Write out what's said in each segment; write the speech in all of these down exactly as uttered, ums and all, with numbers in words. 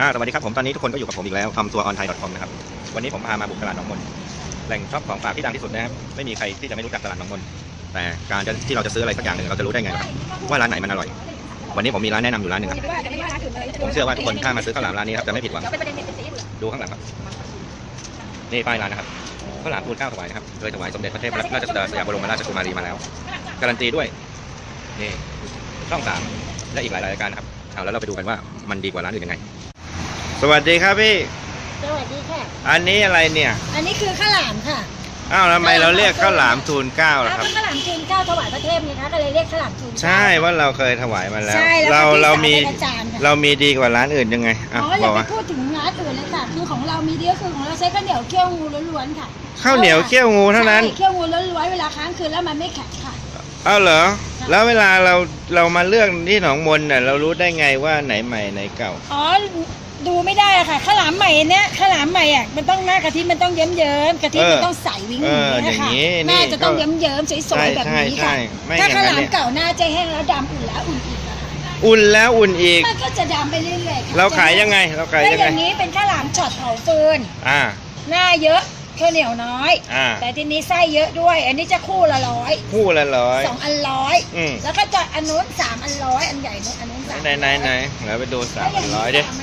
อ่าสวัสดีครับผมตอนนี้ทุกคนก็อยู่กับผมอีกแล้วทำตัวออนไทย .com นะครับวันนี้ผมพามาบุกตลาดหนองมนแหล่งช็อปของฝากที่ดังที่สุดนะครับไม่มีใครที่จะไม่รู้จักตลาดหนองมนแต่การจะที่เราจะซื้ออะไรสักอย่างหนึ่งเราจะรู้ได้ไงครับว่าร้านไหนมันอร่อยวันนี้ผมมีร้านแนะนำอยู่ร้านหนึ่งครับผมเชื่อว่าทุกคนถ้ามาซื้อข้าวหลามร้านนี้ครับจะไม่ผิดหวังดูข้างหลังครับนี่ป้ายร้านนะครับข้าวหลามทูลเกล้าถวายนะครับโดยถวายสมเด็จพระเทพรัตนราชสุดาสยามบรมราชกุมารีมาแล้วการันตีด้วยนี่ช่องสามและอีกหลายรายการครับเอาแล้วเราไปดูกันว่ามันดีกว่าร้านอื่นยังไงสวัสดีครับพี่สวัสดีค่ะอันนี้อะไรเนี่ยอันนี้คือข้าวหลามค่ะอ้าวทำไมเราเรียกข้าวหลามทูลเกล้าล่ะครับข้าวหลามทูลเกล้าถวายพระเทพไงคะก็เลยเรียกข้าวหลามทูลเกล้าใช่ว่าเราเคยถวายมาแล้วใช่เราเรามีเรามีดีกว่าร้านอื่นยังไงอ๋ออย่าไปพูดถึงร้านอื่นเลยค่ะคือของเรามีดีก็คือของเราใช้ข้าวเหนียวเคี่ยวงูล้วนๆค่ะข้าวเหนียวเคี่ยวงูเท่านั้นเคี่ยวงูล้วนๆเวลาค้างคืนแล้วมันไม่แข็งค่ะอ้าวเหรอแล้วเวลาเราเรามาเลือกที่หนองมนเนี่ยเรารู้ได้ไงว่าไหนใหม่ไหนเก่าอ๋อดูไม่ได้อะค่ะข้าวหลามใหม่เนี้ยข้าวหลามใหม่อ่ะมันต้องหน้ากะทิมันต้องเยิ้มเยิ้มกะทิมันต้องใสวิ่งอย่างนี้ค่ะหน้าจะต้องเยิ้มเยิ้มสวยๆแบบนี้ค่ะถ้าข้าวหลามเก่าหน้าจะแห้งแล้วดำอุ่นแล้วอุ่นอีกอะค่ะอุ่นแล้วอุ่นอีกมันก็จะดำไปเรื่อยๆค่ะเราขายยังไงเราขายยังไงอย่างนี้เป็นข้าวหลามช็อตเผาฟืนอ่าหน้าเยอะข้าวเหนียวน้อยอ่าแต่ทีนี้ไส้เยอะด้วยอันนี้จะคู่ละร้อยคู่ละร้อยสองอันร้อยแล้วก็จะอันนู้นสามอันร้อยอันใหญ่นู้นอันนู้นสามไหนไหนไหนเราไปดูสามอันร้อยดิ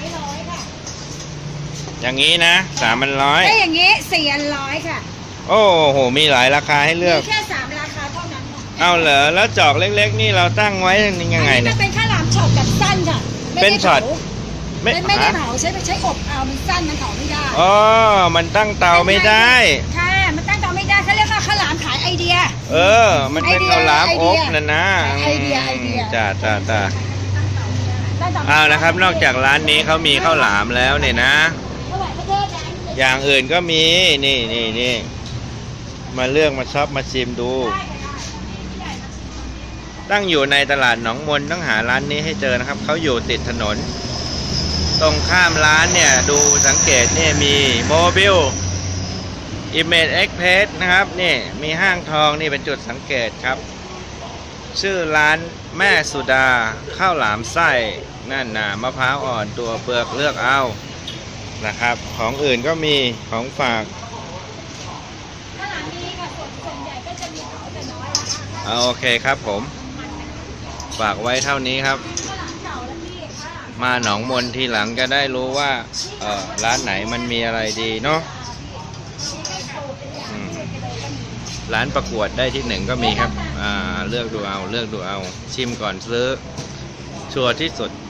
อย่างนี้นะสามพันร้อยได้อย่างนี้สี่อันร้อยค่ะโอ้โหมีหลายราคาให้เลือกมีแค่สามราคาเท่านั้นค่ะเอาเหรอแล้วจอกเล็กๆนี่เราตั้งไว้ยังไงเนี่ยมันเป็นข้าวหลามช็อตแบบสั้นค่ะเป็นช็อตไม่ไม่ได้เผาใช้ใช้อบเอามันสั้นมันเผาไม่ได้อ๋อมันตั้งเตาไม่ได้ค่ะมันตั้งเตาไม่ได้เขาเรียกว่าข้าวหลามขายไอเดียเออมันเป็นข้าวหลามอบนั่นนะไอเดียไอเดียจ้าจ้าจ้าเอานะครับนอกจากร้านนี้เขามีข้าวหลามแล้วเนี่ยนะอย่างอื่นก็มีนี่นี่นี่มาเลือกมาช็อปมาชิมดูตั้งอยู่ในตลาดหนองมนต้องหาร้านนี้ให้เจอนะครับเขาอยู่ติดถนนตรงข้ามร้านเนี่ยดูสังเกตนี่มีโมบิลอิมเมจเอ็กเพสนะครับนี่มีห้างทองนี่เป็นจุดสังเกตครับชื่อร้านแม่สุดาข้าวหลามไส้นั่นน่ะมะพร้าวอ่อนตัวเปลือกเลือกเอานะครับของอื่นก็มีของฝากข้าวหลามนี้ค่ะส่วนใหญ่ก็จะมีเขาแต่น้อยนะคะโอเคครับผมฝากไว้เท่านี้ครับมาหนองมนทีหลังจะได้รู้ว่าเออร้านไหนมันมีอะไรดีเนาะร้านประกวดได้ที่หนึ่งก็มีครับอ่าเลือกดูเอาเลือกดูเอาชิมก่อนซื้อชัวร์ที่สุด